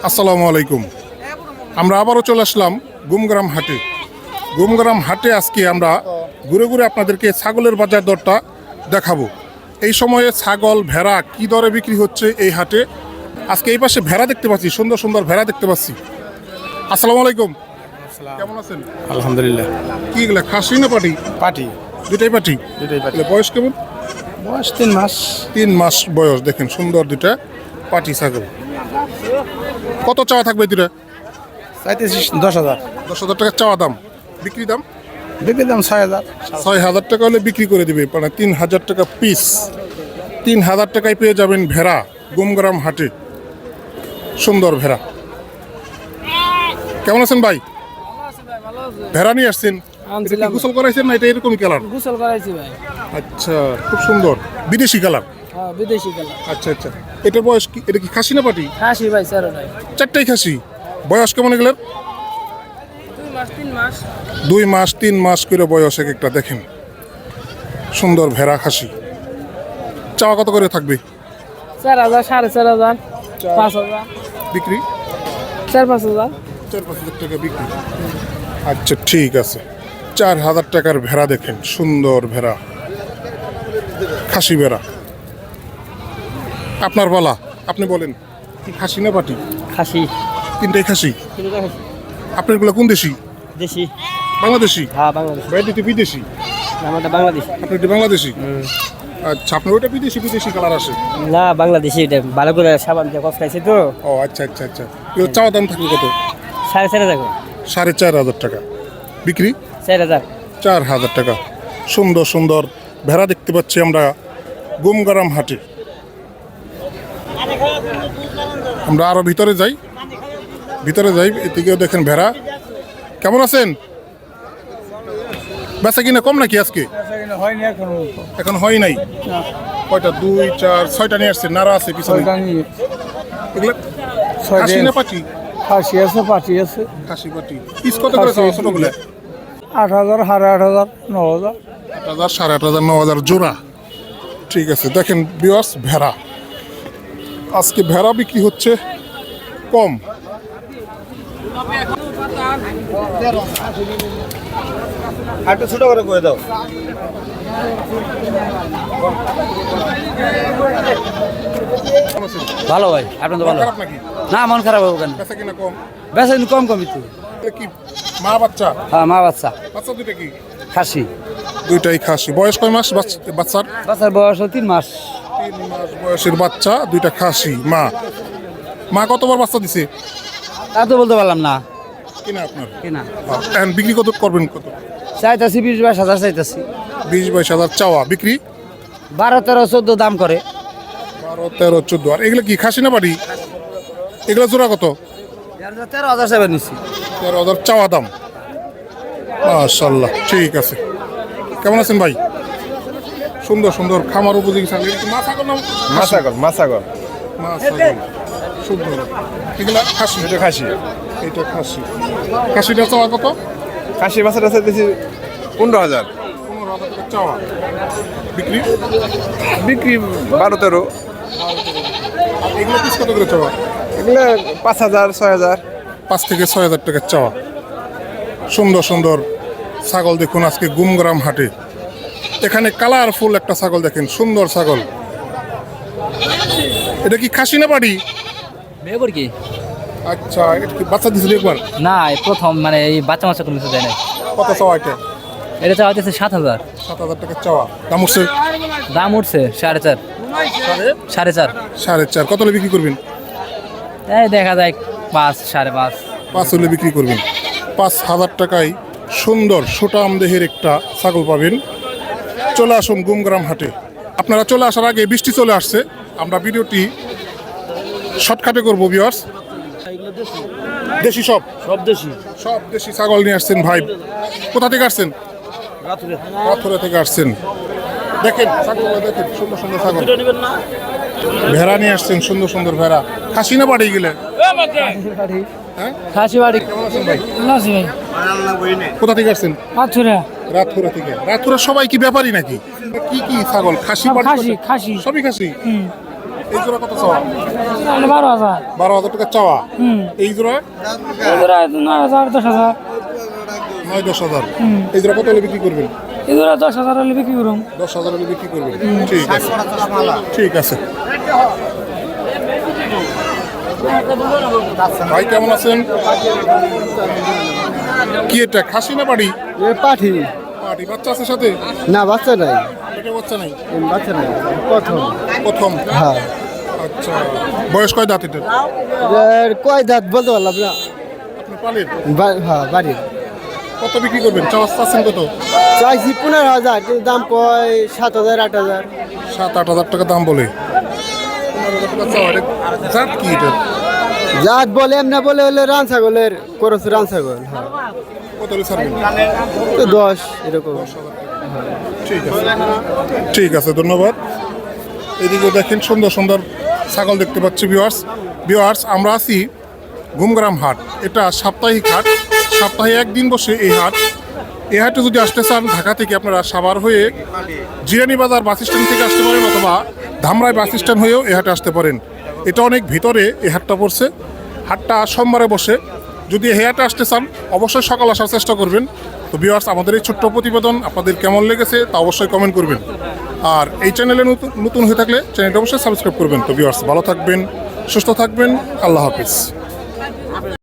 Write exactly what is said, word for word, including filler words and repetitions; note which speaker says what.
Speaker 1: আসসালামু আলাইকুম। আমরা আবারও চলে আসলাম গুমগ্রাম হাটে। গুমগ্রাম হাটে আজকে আমরা ঘুরে ঘুরে আপনাদেরকে ছাগলের বাজার দরটা দেখাবো। এই সময়ে ছাগল ভেড়া কি দরে বিক্রি হচ্ছে এই হাটে। আজকে এই পাশে ভেড়া দেখতে পাচ্ছি, সুন্দর সুন্দর ভেড়া দেখতে পাচ্ছি। আসসালামু আলাইকুম, কেমন আছেন?
Speaker 2: আলহামদুলিল্লাহ।
Speaker 1: কি এগুলা খাসি না পাটি?
Speaker 2: পাটি
Speaker 1: দুটাই পাটি।
Speaker 2: দুটাই পাটি।
Speaker 1: এগুলা বয়স কেমন?
Speaker 2: বয়স তিন মাস।
Speaker 1: তিন মাস বয়স। দেখেন সুন্দর দুটা পাটি ছাগল। কত চাওয়া থাকবে দুটা?
Speaker 2: চাইতেছি দশ হাজার।
Speaker 1: দশ হাজার টাকা চাওয়া দাম। বিক্রি দাম
Speaker 2: বিক্রির দাম ছয় হাজার।
Speaker 1: ছয় হাজার টাকা হলে বিক্রি করে দিবে, মানে তিন হাজার টাকা পিস। তিন হাজার টাকায় পেয়ে যাবেন ভেড়া গুমগ্রাম হাটে। সুন্দর ভেড়া। কেমন আছেন ভাই? ভেড়া নিয়ে আসছেন? এটা কি গোসল করাইছেন না এটা এরকমই কালার?
Speaker 3: গোসল করাইছি ভাই।
Speaker 1: আচ্ছা, খুব সুন্দর বিদেশি কালার।
Speaker 3: হ্যাঁ, বিদেশি কালার।
Speaker 1: আচ্ছা আচ্ছা, এটার বয়স কি? এটা কি খাসি না পাটি?
Speaker 3: খাসি ভাই, স্যার নাই।
Speaker 1: চারটাই খাসি। বয়স কেমন এগুলোর?
Speaker 3: দুই মাস তিন মাস।
Speaker 1: দুই মাস তিন মাস করে বয়স এক একটা। দেখেন সুন্দর ভেড়া খাসি। চাওয়া কত করে থাকবে?
Speaker 3: চার হাজার, সাড়ে চার হাজার, পাঁচ হাজার
Speaker 1: বিক্রি?
Speaker 3: চার পাঁচ হাজার।
Speaker 1: চার পাঁচ হাজার টাকা বিক্রি। আচ্ছা ঠিক আছে। চার হাজার টাকার ভেড়া দেখেন, সুন্দর ভেড়া, খাসি ভেড়া। আপনার বলা, আপনি বলেন কি খাসি না পাটি?
Speaker 3: খাসি।
Speaker 1: তিনটাই খাসি। আপনার গুলো কোন দেশি?
Speaker 3: দেশি।
Speaker 1: বাংলাদেশি?
Speaker 3: হ্যাঁ, বাংলাদেশ।
Speaker 1: বাইরে তো বিদেশি।
Speaker 3: আমারটা বাংলাদেশ।
Speaker 1: আপনি এটা বাংলাদেশি? আচ্ছা, আপনার ওইটা বিদেশি বিদেশি কালার আসে?
Speaker 3: না, বাংলাদেশি। এটা ভালো করে সাবান দিয়ে কফলাইছে তো।
Speaker 1: ও আচ্ছা আচ্ছা আচ্ছা। এগুলো চাওয়া দাম থাকবে কত?
Speaker 3: সাড়ে চার হাজার।
Speaker 1: সাড়ে চার হাজার টাকা বিক্রি।
Speaker 3: চার হাজার।
Speaker 1: চার হাজার টাকা। সুন্দর সুন্দর ভেড়া দেখতে পাচ্ছি আমরা গুমগ্রাম হাটে। আমরা আরো ভিতরে যাই, ভিতরে যাই। এদিকেও দেখেন ভেড়া। কেমন আছেন? বেচা কিনা কম নাকি আজকে? এখন হয় নাই। কয়টা? দুই চার ছয়টা নিয়ে আসছে। নাড়া আছে পিছনে। এগুলো খাসি না পাটি?
Speaker 2: খাসি আছে, পাটি আছে।
Speaker 1: খাসি পাটি। পিস কত করে চাওয়া ছোটগুলো?
Speaker 2: আট হাজার, সাড়ে আট হাজার, ন হাজার।
Speaker 1: আট হাজার, সাড়ে আট হাজার, ন হাজার জোড়া। ঠিক আছে। দেখেন বিয়াস ভেড়া, আজকে ভেড়া বিক্রি হচ্ছে কম।
Speaker 2: একটু ছোট করে করে দাও।
Speaker 3: ভালো ভাই, আপনার তো ভালো।
Speaker 1: খারাপ নাকি?
Speaker 3: না, মন খারাপ হবে কেন?
Speaker 1: বেচা কিনা কম?
Speaker 3: বেশি কম কম একটু।
Speaker 1: এটা কি মা বাচ্চা?
Speaker 3: হ্যাঁ, মা বাচ্চা।
Speaker 1: বাচ্চা দুইটা কি?
Speaker 3: খাসি।
Speaker 1: দুইটাই খাসি। বয়স কয় মাস বাচ্চা- বাচ্চার?
Speaker 3: বাচ্চার বয়স তিন মাস।
Speaker 1: তিন মাস বয়সের বাচ্চা, দুইটা খাসি। মা মা কতবার বাচ্চা দিছে?
Speaker 3: তা তো বলতে পারলাম না।
Speaker 1: কিনা আপনার?
Speaker 3: কিনা।
Speaker 1: এখন বিক্রি কত করবেন? কত?
Speaker 3: চাইতাছি বিশ বাইশ হাজার চাইতাছি।
Speaker 1: বিশ বাইশ হাজার চাওয়া। বিক্রি
Speaker 3: বারো তেরো চোদ্দ দাম করে।
Speaker 1: বারো তেরো চোদ্দ। আর এগুলো কি খাসি না বাড়ি? এগুলো জোড়া কত?
Speaker 3: তেরো হাজার চাইবার নিচ্ছি।
Speaker 1: তেরো হাজার চাওয়া দাম। মাশাল্লাহ, ঠিক আছে। কেমন আছেন ভাই? সুন্দর সুন্দর খামার উপযোগী ছাগল। এটা কি মা ছাগল না?
Speaker 2: মাছাগর, মাছাগর।
Speaker 1: মা ছাগল। সুন্দর। এগুলা খাসি?
Speaker 2: এটা খাসি।
Speaker 1: এটা খাসি। খাসিটা চাওয়া কত?
Speaker 2: খাসি বাচ্চাটা চাইতেছি পনেরো হাজার।
Speaker 1: পনেরো হাজার টাকা চাওয়া। বিক্রি?
Speaker 2: বিক্রি বারো তেরো।
Speaker 1: আর এগুলো পিস কত করে চাওয়া?
Speaker 2: এগুলো পাঁচ হাজার, ছয় হাজার।
Speaker 1: পাঁচ থেকে ছয় হাজার টাকা চাওয়া। সুন্দর সুন্দর ছাগল দেখুন আজকে গুমগ্রাম হাটে। এখানে কালারফুল একটা ছাগল দেখেন, সুন্দর ছাগল। এটা কি খাসি না বাড়ি?
Speaker 3: বিয়ে করি কি?
Speaker 1: আচ্ছা, এটা কি বাচ্চা দিছিল একবার?
Speaker 3: না, এই প্রথম, মানে এই বাচ্চা মাচ্চা কোনো কিছু দেয় নাই।
Speaker 1: কত চাওয়া এটা?
Speaker 3: এটা চাওয়া হচ্ছে সাত হাজার।
Speaker 1: সাত হাজার টাকা চাওয়া। দাম উঠছে?
Speaker 3: দাম উঠছে সাড়ে চার। সাড়ে চার।
Speaker 1: সাড়ে চার। কত হলে বিক্রি করবেন?
Speaker 3: এই দেখা যায় পাঁচ, সাড়ে পাঁচ।
Speaker 1: পাঁচ হলে বিক্রি করবেন। পাঁচ হাজার টাকায় সুন্দর সুটাম দেহের একটা ছাগল পাবেন। চলে আসুন গুমগ্রাম হাটে। আপনারা চলে আসার আগে বৃষ্টি চলে আসছে। আমরা ভিডিওটি শর্টকাটে করবো ভিউয়ার্স। দেশি সব?
Speaker 3: সব দেশি।
Speaker 1: সব দেশি ছাগল নিয়ে আসছেন ভাই। কোথা থেকে আসছেন? পাথুরা থেকে আসছেন। দেখেন ছাগলগুলো দেখেন, সুন্দর সুন্দর ছাগল। ভেড়া নিয়ে আসছেন, সুন্দর সুন্দর ভেড়া। খাসি না বাড়ি গেলে? হ্যাঁ,
Speaker 3: খাসি বাড়ি।
Speaker 1: কেমন আছেন ভাই?
Speaker 3: নাসি ভাই।
Speaker 1: কোথা থেকে আসছেন?
Speaker 3: পাথুরা।
Speaker 1: রাতপুরা থেকে। রাতপুরা সবাই কি ব্যাপারী নাকি? কি কি ছাগল? খাসি
Speaker 3: সব
Speaker 1: বাড়ি
Speaker 3: খাসি,
Speaker 1: কত?
Speaker 3: খাসি।
Speaker 1: সবই খাসি। এই জোড়া কত চাওয়া?
Speaker 4: বারো হাজার
Speaker 1: বারো হাজার টাকা চাওয়া। এই জোড়া
Speaker 4: এগুলো নয় হাজার দশ হাজার
Speaker 1: নয় দশ হাজার। এই জোড়া কত হলে বিক্রি করবেন?
Speaker 4: এগুলো দশ হাজার হলে বিক্রি করুন।
Speaker 1: দশ হাজার হলে বিক্রি করবেন। ঠিক আছে, ঠিক আছে। ভাই কেমন আছেন? কি এটা খাসি না বাড়ি?
Speaker 2: পাঠি
Speaker 1: পাটি বাচ্চা আছে সাথে?
Speaker 2: না বাচ্চা নাই,
Speaker 1: এটা বাচ্চা নাই,
Speaker 2: বাচ্চা নাই প্রথম।
Speaker 1: প্রথম।
Speaker 2: হ্যাঁ
Speaker 1: আচ্ছা, বয়স কয় দাঁত এটা?
Speaker 2: কয় দাঁত বলতে পারলাম না।
Speaker 1: আপনি পালেন?
Speaker 2: হ্যাঁ বাড়ির
Speaker 1: কত বিক্রি করবেন? চাওয়া চাচ্ছেন কত?
Speaker 2: চাইছি পনেরো হাজার, কিন্তু দাম কয় সাত হাজার আট হাজার।
Speaker 1: সাত আট হাজার টাকা দাম বলে। পনেরো হাজার টাকা চাওয়া। এটা জাত কি এটা?
Speaker 2: জাত বলে এমনি বলে হলে রান ছাগলের করস রান ছাগল। হ্যাঁ
Speaker 1: কত হলে ছাড়বেন?
Speaker 2: তো দশ এরকম।
Speaker 1: ঠিক আছে, ঠিক আছে, ধন্যবাদ। এদিকে দেখেন সুন্দর সুন্দর ছাগল দেখতে পাচ্ছি ভিউয়ার্স। ভিউয়ার্স আমরা আছি গুমগ্রাম হাট। এটা সাপ্তাহিক হাট, সপ্তাহে একদিন বসে এই হাট। এই হাটে যদি আসতে চান ঢাকা থেকে আপনারা সাভার হয়ে জিরানি বাজার বাস স্ট্যান্ড থেকে আসতে পারেন, অথবা ধামরাই বাস স্ট্যান্ড হয়েও এই হাটে আসতে পারেন। এটা অনেক ভিতরে এই হাটটা পড়ছে। হাটটা সোমবারে বসে। যদি এই হাটে আসতে চান অবশ্যই সকাল আসার চেষ্টা করবেন। তো ভিউয়ার্স আমাদের এই ছোট্ট প্রতিবেদন আপনাদের কেমন লেগেছে তা অবশ্যই কমেন্ট করবেন। আর এই চ্যানেলে নতুন নতুন হয়ে থাকলে চ্যানেলটা অবশ্যই সাবস্ক্রাইব করবেন। তো ভিউয়ার্স ভালো থাকবেন, সুস্থ থাকবেন, আল্লাহ হাফিজ।